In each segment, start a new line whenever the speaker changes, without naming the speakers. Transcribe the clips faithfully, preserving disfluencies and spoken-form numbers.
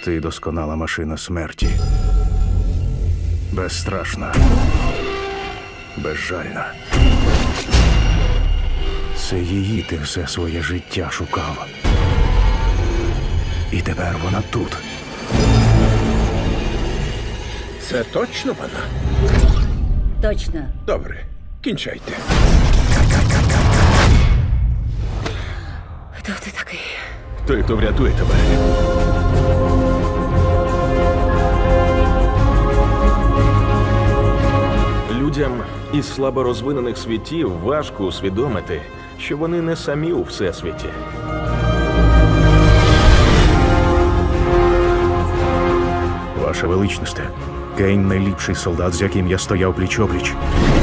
Ти досконала машина смерті. Безстрашна. Безжальна. Це її ти все своє життя шукав. І тепер вона тут.
Це точно вона?
Точно.
Добре, кінчайте.
Хто ти такий?
Той, хто врятує тебе. Людям із слабо розвинених світів важко усвідомити, що вони не самі у всесвіті.
Ваше величність, Кейн найліпший солдат, з яким я стояв пліч-опліч.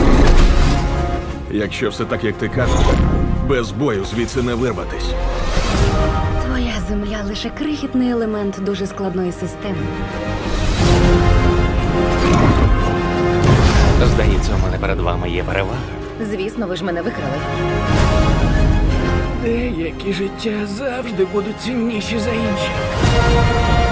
Якщо все так, як ти кажеш, без бою звідси не вирватись.
Твоя земля лише крихітний елемент дуже складної системи.
Здається, у мене перед вами є перевага.
Звісно, ви ж мене викрали.
Деякі життя завжди будуть цінніші за інші.